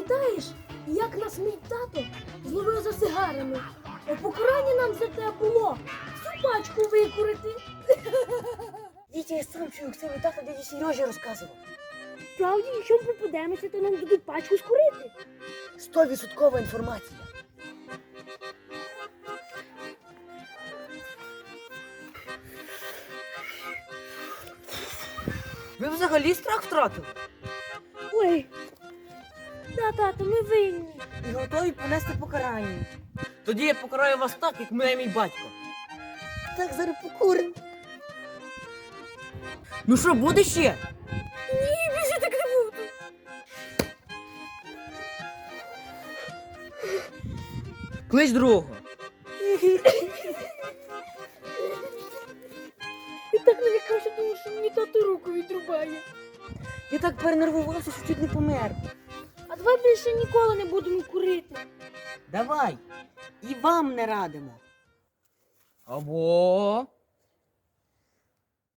пам'ятаєш, як нас мій тато зловив за сигарами? А покарання нам за те було всю пачку викурити. Дітя, я сам чую, як це мій тато дяді Сережі розказував. Справді, якщо ми попадемося, то нам дадуть пачку скурити. 100% інформація. Ви взагалі страх втратили? Ой, тато, ми винні. І готові понести покарання. Тоді я покараю вас так, як мене мій батько. Так, зараз покуримо. Ну що, буде ще? Ні, більше так не буду. Клич другого. І так налякався, тому що мені тато руку відрубає. Я так перенервувався, що чуть не помер. А давай більше ніколи не будемо курити. Давай. І вам не радимо. Або